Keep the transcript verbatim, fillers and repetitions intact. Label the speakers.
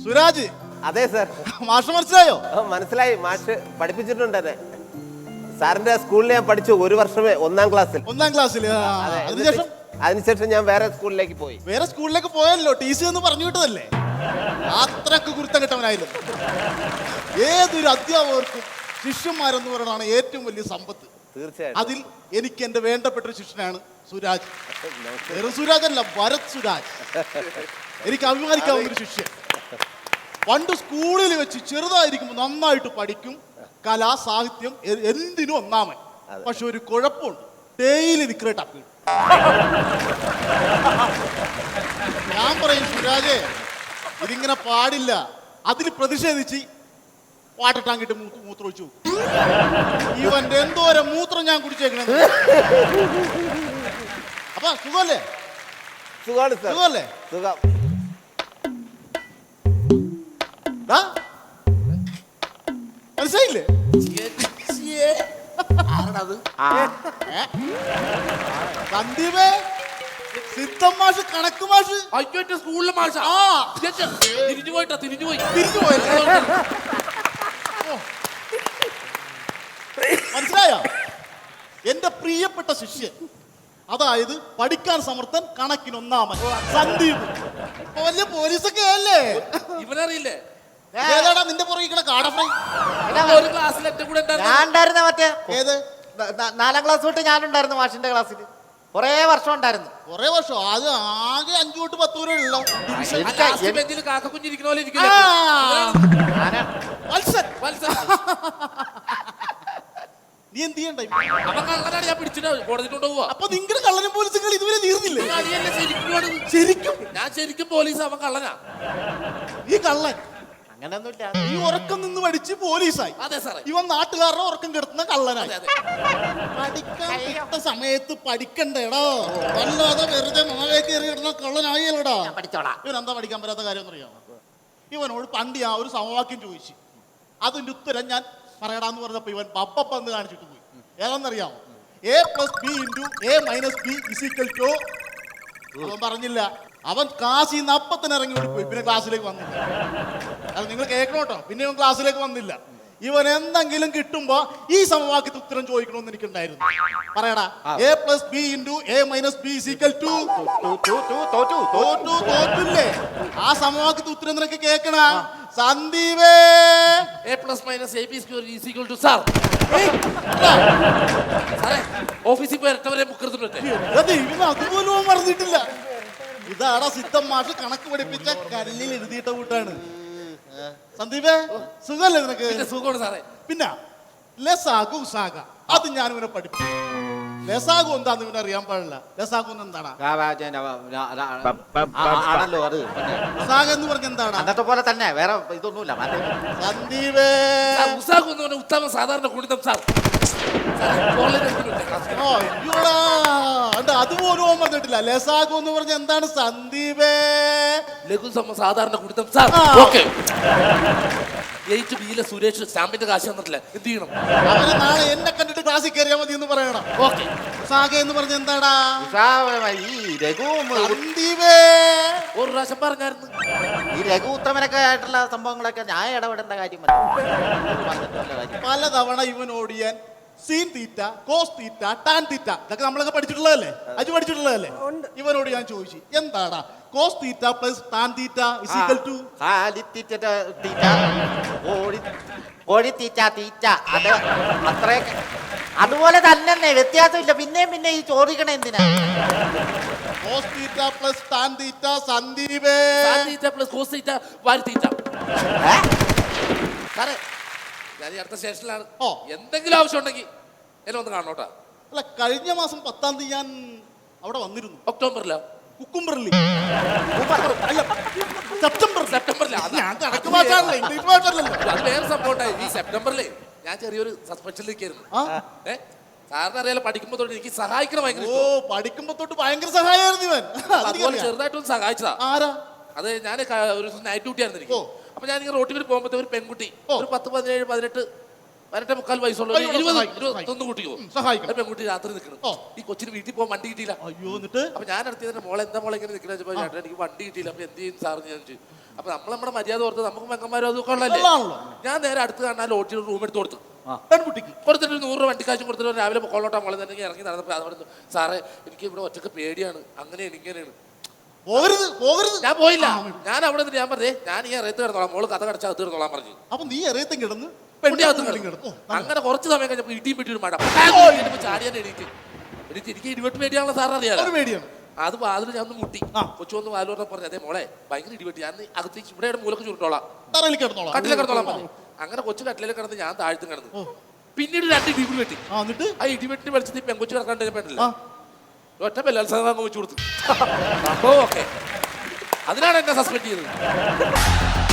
Speaker 1: സുരാജ്.
Speaker 2: അതെ സാർ.
Speaker 1: മാഷ് മനസ്സിലായോ?
Speaker 2: മനസ്സിലായി. മാഷ് പഠിപ്പിച്ചിട്ടുണ്ട് എന്നെ. സാറിന്റെ സ്കൂളിൽ ഞാൻ പഠിച്ചു ഒരു വർഷമേ, ഒന്നാം ക്ലാസ്സിൽ.
Speaker 1: ഒന്നാം ക്ലാസ്സിൽ. അതിനുശേഷം
Speaker 2: അതിനുശേഷം ഞാൻ വേറെ സ്കൂളിലേക്ക് പോയി.
Speaker 1: വേറെ സ്കൂളിലേക്ക് പോയല്ലോ, ടി സി എന്ന് പറഞ്ഞു വിട്ടതല്ലേ. അത്രക്ക് കുരുത്തം കിട്ടവനായിരുന്നു. ഏതൊരു അധ്യാപകർക്കും ശിഷ്യന്മാരെന്ന് പറയുന്നതാണ് ഏറ്റവും വലിയ സമ്പത്ത്.
Speaker 2: തീർച്ചയായും.
Speaker 1: അതിൽ എനിക്ക് എന്റെ വേണ്ടപ്പെട്ട ഒരു ശിഷ്യനാണ് സുരാജ്. വേറെ സുരാജ് അല്ല, ഭരത് സുരാജ്. എനിക്ക് അഭിമാനിക്കാവുന്ന ഒരു ശിഷ്യൻ. പണ്ട് സ്കൂളിൽ വെച്ച് ചെറുതായിരിക്കുമ്പോൾ നന്നായിട്ട് പഠിക്കും, കലാ സാഹിത്യം എന്തിനും ഒന്നാമൻ. പക്ഷെ ഒരു കുഴപ്പമുണ്ട്, ഡെയിലി നിക്കറേറ്റ് അപ്പീൽ. ഞാൻ പറയും സുരാജേ, ഇതിങ്ങനെ പാടില്ല. അതിൽ പ്രതിഷേധിച്ച് വാട്ടർ ടാങ്കിട്ട് മൂത്രമൊഴിച്ചു. ഇവന്റെ എന്തോരം മൂത്രം ഞാൻ കുടിച്ചേക്കണേ. അപ്പൊ സുഖല്ലേ? സുഖല്ലേ?
Speaker 2: സുഖം.
Speaker 1: മനസ്സിലായില്ലേ? സന്ദീപേ, സിദ്ധം മാഷ്, കണക്ക് മാഷ്.
Speaker 3: അയ്യോ, സ്കൂളിലെ മാഷ. തിരിഞ്ഞു പോയിട്ടാ, തിരിഞ്ഞു പോയി
Speaker 1: തിരിഞ്ഞു പോയി മനസ്സിലായോ? എന്റെ പ്രിയപ്പെട്ട ശിഷ്യൻ, അതായത് പഠിക്കാൻ സമർത്ഥൻ, കണക്കിനൊന്നാമൻ സന്ദീപ്. വലിയ പോലീസൊക്കെ അല്ലേ?
Speaker 3: ഇവനറിയില്ലേ?
Speaker 1: ഏതാടാ നിന്റെ പുറകിക്കണ കാട ഫ്രൈ?
Speaker 3: ഒരു ക്ലാസ്സിൽ എന്റെ കൂടെ
Speaker 4: ഞാൻ ഉണ്ടായിരുന്ന മറ്റേ
Speaker 1: ഏത്
Speaker 4: നാലാം ക്ലാസ് തൊട്ട് ഞാനുണ്ടായിരുന്നു മാഷിന്റെ ക്ലാസ്സിൽ. കൊറേ വർഷം ഉണ്ടായിരുന്നു.
Speaker 1: കൊറേ വർഷം. അത് ആകെ അഞ്ചു തൊട്ട് പത്ത് വരെ ഉള്ളു.
Speaker 3: ബെഞ്ചിൽ കാക്ക കുഞ്ഞിരിക്കുന്ന പോലെ ഇരിക്കില്ല.
Speaker 1: നീ എന്ത് ചെയ്യണ്ട?
Speaker 3: അവൻ കള്ളനാണ്, ഞാൻ പിടിച്ചിട്ട് കോടതിയിലോട്ട് പോവാ.
Speaker 1: അപ്പൊ നിങ്ങളുടെ കള്ളനും പോലീസുകൾ ഇതുവരെ തീർന്നില്ലേ?
Speaker 3: ശരിക്കും ഞാൻ ശരിക്കും പോലീസ്, അവൻ കള്ളനാ.
Speaker 1: ഈ കള്ളൻ
Speaker 4: അങ്ങനെയൊന്നുമില്ല.
Speaker 1: ഈ ഉറക്കം നിന്ന് പഠിച്ച് പോലീസായി.
Speaker 3: അതെ സാറേ.
Speaker 1: ഇവൻ നാട്ടുകാരുടെ ഉറക്കം കെടുത്തുന്ന കള്ളനായി. പഠിക്കാൻ കിട്ട സമയത്ത് പഠിക്കണ്ടേടോ, അല്ലാതെ വെറുതെ മാവേക്ക് എറിയിടുന്ന കള്ളനായല്ലോടാ. ഇവൻ എന്താ പഠിക്കാൻ പറ്റാത്ത കാര്യം എന്നറിയാമോ? ഇവനോട് പണ്ട് ആ ഒരു സമവാക്യം ചോദിച്ചു. അതിന്റെ ഉത്തരം ഞാൻ പറയടാന്ന് പറഞ്ഞപ്പോ ഇവൻ ബബ്ബന്ന് കാണിച്ചിട്ട് പോയി. ഏതാണെന്നറിയാമോ? A plus B into A minus B is equal to. അവൻ പറഞ്ഞില്ല. അവൻ ക്ലാസ്സിൽ നിന്ന് അപ്പത്തിന് ഇറങ്ങി പോയി. പിന്നെ ക്ലാസ്സിലേക്ക് വന്നില്ല. അത് നിങ്ങൾ കേൾക്കണം കേട്ടോ. പിന്നെ ഇവൻ ക്ലാസ്സിലേക്ക് വന്നില്ല. ഇവൻ എന്തെങ്കിലും കിട്ടുമ്പോ ഈ സമവാക്യത്തിൽ ഉത്തരം ചോദിക്കണമെന്ന് എനിക്കുണ്ടായിരുന്നു. പറയടാ. A plus B into A minus B is equal to. തോറ്റില്ലേ? ആ സമവാക്യത്തിൽ ഉത്തരം നിനക്ക് കേൾക്കണ സന്ദീപേ.
Speaker 3: A plus minus A B square is equal to. Sir സാറേ, ഓഫീസിൽ പോയി ഇരട്ടവരെ മുക്കെടുത്തിട്ടുണ്ട്.
Speaker 1: അതുപോലും മറന്നിട്ടില്ല. ഇതാടാ സിദ്ധം മാഷ് കണക്ക് പഠിപ്പിച്ച കല്ലിൽ എഴുതിയിട്ട കൂട്ടാണ്. സന്ദീപേ, സുഖല്ലേ നിനക്ക്?
Speaker 3: സുഖമാണ് സാറേ.
Speaker 1: പിന്നെ ലസാഗു സാഗ അത് ഞാൻ ഇവനെ പഠിപ്പിച്ചു. ലസാഗു എന്താന്ന് ഇവനെ അറിയാൻ പാടില്ല. ലസാഗു എന്താണ്?
Speaker 4: ആണല്ലോ അത്.
Speaker 1: സാഗ എന്ന് പറഞ്ഞ എന്താണ്?
Speaker 4: അന്നത്തെ പോലെ തന്നെ, വേറെ ഇതൊന്നുമില്ല.
Speaker 1: സന്ദീപേ,
Speaker 3: ഉത്തമ സാധാരണ കുടിതം സാർ.
Speaker 1: അതുപോലും ഓൻ പറഞ്ഞിട്ടില്ല. ലസാഗു എന്ന് പറഞ്ഞ എന്താണ് സന്ദീപേ?
Speaker 3: ലഘു സാധാരണ കുടിതം സാർ. ഓക്കെ. എയ്റ്റ് ബിയിലെ സുരേഷ് സ്റ്റാമ്പിന്റെ കാശ് തന്നിട്ടില്ല, എന്ത് ചെയ്യണം?
Speaker 1: അവന് നാളെ എന്നെ കണ്ടിട്ട് ക്ലാസ്സിൽ കയറിയാൽ മതി എന്ന് പറയണം.
Speaker 3: ഓക്കെ.
Speaker 1: സാഗ എന്ന് പറഞ്ഞ എന്താടാ?
Speaker 4: ഈ രഘു
Speaker 1: സന്ദീപേ
Speaker 3: ഒരു പ്രാവശ്യം പറഞ്ഞായിരുന്നു.
Speaker 4: ഈ രഘു ഉത്തമനൊക്കെ ആയിട്ടുള്ള സംഭവങ്ങളൊക്കെ ഞാൻ ഇടപെടേണ്ട കാര്യം
Speaker 1: പലതവണ ഇവൻ ഓടിയാൻ sine theta, cos theta, tan theta, ഇതൊക്കെ നമ്മളൊക്കെ പഠിച്ചിട്ടുള്ളതല്ലേ? അജു പഠിച്ചിട്ടുള്ളതല്ലേ? ഇവനോട് ഞാൻ ചോദിച്ചു, എന്താടാ cos theta plus tan theta is equal to?
Speaker 4: കോഴിത്തീറ്റ തീറ്റ. അത് അത്രയൊക്കെ അതുപോലെ തന്നെ, വ്യത്യാസമില്ല. പിന്നെയും പിന്നെ ഈ ചോദിക്കണ എന്തിനാ?
Speaker 1: Cos theta plus tan theta സന്ദീപേ.
Speaker 3: Tan theta plus cos theta വാരി തീറ്റ. സാറേ, ഞാൻ ഈ അടുത്ത സ്റ്റേഷനിലാണ്. ഓ, എന്തെങ്കിലും ആവശ്യം ഉണ്ടെങ്കിൽ എന്നെ ഒന്ന് കാണോട്ടാ.
Speaker 1: അല്ല, കഴിഞ്ഞ മാസം പത്താം തീയതി ഞാൻ അവിടെ വന്നിരുന്നു.
Speaker 3: ഒക്ടോബറിലോ?
Speaker 1: കുക്കുംബറിൽ. അല്ല, സെപ്റ്റംബർ.
Speaker 3: സെപ്റ്റംബറിൽ.
Speaker 1: ഞാൻ കണക്ക് മാറ്റാറില്ല, ഇംഗ്ലീഷ് മാറ്റാറില്ലല്ലോ.
Speaker 3: അത് വേറെ സംഭവം. ഈ സെപ്റ്റംബറിൽ ഞാൻ ചെറിയൊരു സസ്പെൻഷനിലേക്കായിരുന്നു. ഏഹ് സാറിന് അറിയാലോ, പഠിക്കുമ്പോ തൊട്ട് എനിക്ക് സഹായിക്കണം ഭയങ്കര.
Speaker 1: ഓ, പഠിക്കുമ്പോ തൊട്ട് ഭയങ്കര സഹായമായിരുന്നു ഇവൻ.
Speaker 3: അതുപോലെ ചെറുതായിട്ടൊന്ന് സഹായിച്ചതാ.
Speaker 1: ആരാ? അത്
Speaker 3: ഞാൻ ഒരു നൈറ്റ് ഡ്യൂട്ടി ആയിരുന്നു എനിക്ക്. അപ്പൊ ഞാൻ ഇങ്ങനെ റോട്ടിൽ പോകുമ്പോഴത്തെ ഒരു പെൺകുട്ടി, ഒരു പത്ത് പതിനേഴ് പതിനെട്ട് വരട്ടെ മുക്കാൽ വയസ്സുള്ള
Speaker 1: അയ്യോ,
Speaker 3: ഇരുപത്
Speaker 1: സഹായിക്കും,
Speaker 3: ഇരുപത്തൊന്ന് കൂട്ടിയോ
Speaker 1: ഉം, സഹായിക്കണം.
Speaker 3: ഒരു പെൺകുട്ടി രാത്രി നിൽക്കണം
Speaker 1: ഓ.
Speaker 3: ഈ കൊച്ചിന് വീട്ടിൽ പോകാൻ വണ്ടി കിട്ടിയില്ല.
Speaker 1: അയ്യോ എന്നിട്ട്
Speaker 3: അപ്പൊ ഞാൻ അടുത്തതിന്റെ മോളെ എന്താ മോളെ ഇങ്ങനെ നിൽക്കുന്ന വെച്ചപ്പോ ചേട്ടാ എനിക്ക് വണ്ടി കിട്ടിയില്ല. അപ്പൊ എന്ത് ചെയ്യും സാറിന് ഞാൻ ചോദിച്ചു. അപ്പൊ നമ്മൾ നമ്മുടെ മര്യാദ ഓർത്ത് നമുക്ക് മെക്കന്മാരും അതൊക്കെ ഉള്ളല്ലേ.
Speaker 1: ഉള്ളതാണല്ലോ.
Speaker 3: ഞാൻ നേരെ അടുത്ത് കാണാൻ ലോഡ്ജിൽ റൂം എടുത്ത് കൊടുത്തു.
Speaker 1: പെൺകുട്ടിക്ക്
Speaker 3: കൊടുത്തിട്ട് ഒരു നൂറ് രൂപ വണ്ടിക്കാശും കൊടുത്തിട്ട് രാവിലെ കൊള്ളോട്ടാ മോളെ തന്നെ ഇറങ്ങി നടന്നപ്പോൾ അതവിടെ സാറേ എനിക്ക് ഇവിടെ ഒറ്റക്ക് പേടിയാണ് അങ്ങനെയാണ് ഇങ്ങനെയാണ്.
Speaker 1: പോകരുത് പോകരുത്.
Speaker 3: ഞാൻ പോയില്ല. ഞാൻ അവിടെ നിന്ന് ഞാൻ പറഞ്ഞേ ഞാൻ ഈ ഇറയത്ത് കിടന്നോളാം മോള് കഥ കടച്ചാൽ അത് കിടന്നോളാൻ പറഞ്ഞു.
Speaker 1: അപ്പൊ നീ എറിയത്തും കിടന്ന്
Speaker 3: പെണ്ണിനകത്ത്
Speaker 1: പെണ്ണിനകത്തും
Speaker 3: കിടന്നു.
Speaker 1: കിടന്നു. ഓ,
Speaker 3: അങ്ങനെ കുറച്ച് സമയം കഴിഞ്ഞപ്പോൾ ഇടിയും പെട്ടി ഒരു മഴ ചാടിയാൻ എണീറ്റ് എനിക്ക് എനിക്ക് ഇടിവെട്ട് പേടിയാണല്ലോ സാർ അറിയാലോ.
Speaker 1: ഒരു പേടിയാണ്.
Speaker 3: അത് വാതിൽ ഞാൻ ഒന്ന് മുട്ടി.
Speaker 1: ആ.
Speaker 3: കൊച്ചു വന്ന് വാതിൽ പറഞ്ഞ പറഞ്ഞു അതെ മോളെ ഭയങ്കര ഇടിവെട്ടി ഞാൻ അകത്തേക്ക് ഇവിടെ മൂലക്ക് ചുരുട്ടോളാം
Speaker 1: തറയിൽ കിടന്നോളാം.
Speaker 3: കട്ടിലെ കിടന്നോളാം പറഞ്ഞു. അങ്ങനെ കൊച്ചു കട്ടിലെ കിടന്ന് ഞാൻ താഴ്ത്തും കിടന്നു. പിന്നീട് രണ്ട് ഇടി വെട്ടി.
Speaker 1: ആ എന്നിട്ട്
Speaker 3: ആ ഇടിവെട്ടി വെളിച്ചത്തിൽ പെങ്കൊച്ചു കിടക്കാണ്ട് പെണ്ണില്ല
Speaker 1: ആ
Speaker 3: ഒറ്റ ബലാത്സംഗം വെച്ചു കൊടുത്തു. സംഭവം ഓക്കെ. അതിനാണ് എന്നെ സസ്പെൻഡ് ചെയ്തത്.